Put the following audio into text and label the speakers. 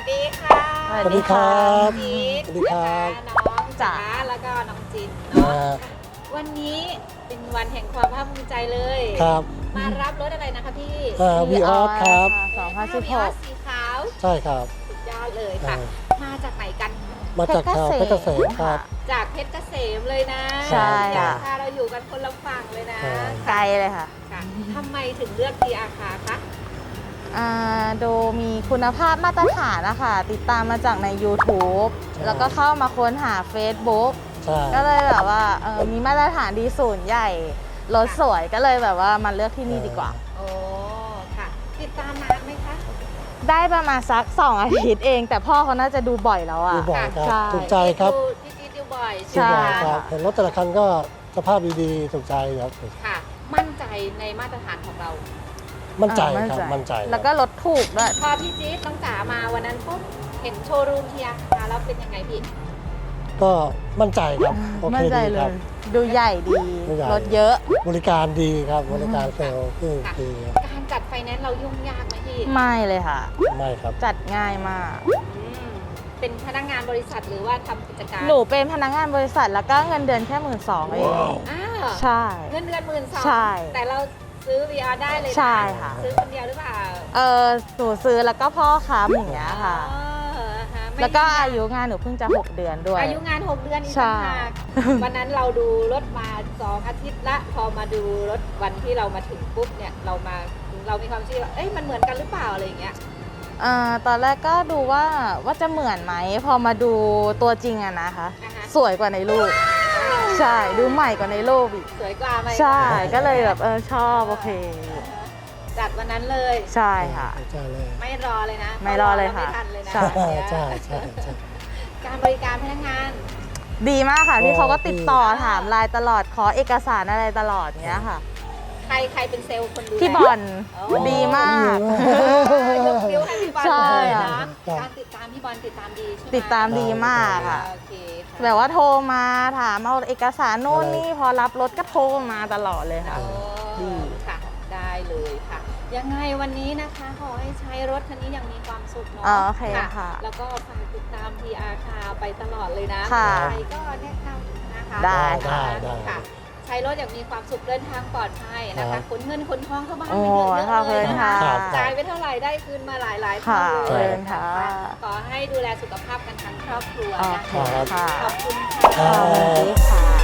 Speaker 1: ดีค่ะ
Speaker 2: สวัสดีครับ
Speaker 1: จีด
Speaker 2: สวัสดีครับ
Speaker 1: นะคะน้องจ๋าแล้วก็น้องจินเนาะวันนี้เป็นวันแห่งความภาคภูมิใจเลย
Speaker 2: ครับ
Speaker 1: มารับรถอะไรนะคะพี่
Speaker 2: วีออสครับ
Speaker 1: วีออสสีขาว
Speaker 2: ใช่ครับ
Speaker 1: สุดยอดเลยค่ะ มาจากไหนกัน
Speaker 2: มาจากชาวเพชรเกษมครับ
Speaker 1: จากเพชรเกษมเลยนะ
Speaker 2: ใช่ค่ะ
Speaker 1: ค่ะเราอยู่กันคนละฝั่งเลยนะ
Speaker 3: ไกลเลยค่ะ
Speaker 1: ค่ะทำไมถึงเลือกทีอาคาคะ
Speaker 3: ดูมีคุณภาพมาตรฐานนะคะติดตามมาจากใน YouTube
Speaker 2: ใช่
Speaker 3: แล้วก็เข้ามาค้นหา Facebook
Speaker 2: ใช่
Speaker 3: ก็เลยแบบว่ามีมาตรฐานดีศูนย์ใหญ่รถสวยก็เลยแบบว่ามาเลือกที่นี่ดีกว่า
Speaker 1: โอ้ค่ะ ติดตามนานไหมคะ
Speaker 3: ได้ประมาณสัก2 อาทิตย์เอง แต่พ่อเขาน่าจะดูบ่อยแล้วอ่ะ
Speaker 2: ดูบ่อยครับ
Speaker 3: ใช่
Speaker 2: ถูกใจครับ
Speaker 1: พี่จีดดูบ่อย
Speaker 3: ใช่
Speaker 1: ไหม
Speaker 2: ดูบ่อยค
Speaker 1: คะ
Speaker 2: รับเห็นรถแต่ละคันก็สภาพดีๆถูกใจครับ
Speaker 1: ค่ะ มั่นใจในมาตรฐานของเรา
Speaker 2: มั่นใจครับมั่นใจ
Speaker 3: แล้วก็รถถูกด้วย
Speaker 1: พอพี่จี๊ดน้องจ๋ามาวันนั้นปุ๊บเห็นโชว์รูมทีอาคาแล้วเป็นยังไงพี่
Speaker 2: ก็มั่นใจครับโอ
Speaker 3: มั่
Speaker 2: เคน
Speaker 3: ใจ
Speaker 2: ดี
Speaker 3: เล
Speaker 2: ครับ
Speaker 3: ย ดูใหญ่ดี
Speaker 2: ดูใหญ่
Speaker 3: รถเยอะ
Speaker 2: บริการดีครับบริการเซลล์คือ
Speaker 1: ค่ะ
Speaker 2: ดีครับ
Speaker 1: การจัดไฟแนนซ์เรายุ่งยากไหมพี่
Speaker 3: ไม่เลยค่ะ
Speaker 2: ไม่ครับ
Speaker 3: จัดง่ายมาก
Speaker 1: อืมเป็นพนักงานบริษัทหรือว่าทำกิจการ
Speaker 3: หนูเป็นพนักงานบริษัทแล้วก็เงินเดือนแค่12,000เอง
Speaker 1: อ้าว
Speaker 3: ใช่
Speaker 1: เงินเดือน12,000
Speaker 3: ใช่
Speaker 1: แต่เราซื้อ VR ได้เลยนะ
Speaker 3: ใช่ค่ะ
Speaker 1: ซื้อคนเดียวหรือเปล่า
Speaker 3: หนูซื้อแล้วก็พ่อค้ำอย่างเงี้ยค่ะ
Speaker 1: อ๋อฮะไม่
Speaker 3: แล้วก็อายุงานหนูเพิ่งจะ6 เดือนด้วย
Speaker 1: อายุงาน 6 เดือนอีก
Speaker 3: ใช่
Speaker 1: ต่างหากวันนั้นเราดูรถมา 2 อาทิตย์ละ พอมาดูรถวันที่เรามาถึงปุ๊บเนี่ยเรามีความเชื่อว่าเอ้ยมันเหมือนกันหรือเปล่าอะไรอย่างเงี้ย
Speaker 3: ตอนแรกก็ดูว่าจะเหมือนไหม พอมาดูตัวจริงอะนะคะ
Speaker 1: อ่าฮะ
Speaker 3: สวยกว่าในรูป ใช่ ดูใหม่กว่าในรูปอีก
Speaker 1: สวยกว่าไหม
Speaker 3: ใช่ ก็เลยแบบชอบโอเค
Speaker 1: จัดวันนั้นเลย
Speaker 3: ใช่ค่ะ
Speaker 2: ใช่เลย
Speaker 1: ไม่รอเลยนะ
Speaker 3: ไม่รอเลยค่ะ
Speaker 1: ไม่ทันเลยนะ
Speaker 3: ใช่
Speaker 2: ใช่ใช่ใช่
Speaker 1: การบริการพนักงาน
Speaker 3: ดีมากค่ะพี่เขาก็ติดต่อ
Speaker 1: ดี
Speaker 3: ถามไลน์ตลอดขอเอกสารอะไรตลอดเงี้ยค่ะ
Speaker 1: ใครเป็นเซลล์คนดูแล
Speaker 3: พี่บอล
Speaker 1: โอ้
Speaker 3: ดีมาก
Speaker 1: ยกนิ้วให้พี่บอล
Speaker 3: ใช่
Speaker 1: เลย
Speaker 3: ค่ะ
Speaker 1: นะการติดตามพี่บอลติดตามดีใช่ไหม
Speaker 3: ติดตามดีมากค่ะ
Speaker 1: โอเคค่ะ
Speaker 3: แบบว่าโทรมาถามเอาเอกสารโน่นนี่พอรับรถก็โทรมาตลอดเลยค่ะ
Speaker 1: โอ้
Speaker 3: ดี
Speaker 1: ค่ะ ได้เลยค่ะ ยังไงวันนี้นะคะขอให้ใช้รถคันนี้อย่างมีความสุขเนาะ
Speaker 3: โอเคค่ะ
Speaker 1: แล้วก็ฝากติดตาม PR คาไปตลอดเลยนะ
Speaker 3: ค่ะ
Speaker 1: ใครก็แนะนำนะคะ
Speaker 3: ได้
Speaker 2: ได้
Speaker 1: ค่ะ ใช้รถอย่างมีความสุขเดินทางปลอดภัยนะ
Speaker 2: ครั
Speaker 1: คะ
Speaker 2: บ
Speaker 1: ขนเงินขนทองเข้าบ้าน
Speaker 3: โอ้
Speaker 1: ไปเยอะ
Speaker 3: ขอบ
Speaker 1: ๆเล
Speaker 3: คุ
Speaker 1: ย
Speaker 3: ณ
Speaker 1: นะ
Speaker 3: ค่ะ
Speaker 1: คะจ่ายไปเท่าไหร่ได้คืนมาหลายๆเท่า
Speaker 3: ค่ะ
Speaker 1: เลย
Speaker 3: ขอบคุณค่ะ
Speaker 1: ขอให้ดูแลสุขภาพกันทั้งครอบครัว
Speaker 3: โอ
Speaker 1: นะ
Speaker 3: เค
Speaker 1: คะ
Speaker 3: ค่ะ
Speaker 1: ขอบคุณ
Speaker 2: ครั
Speaker 1: ค่ะ
Speaker 3: สวัส
Speaker 2: บ
Speaker 3: ดีค่ะ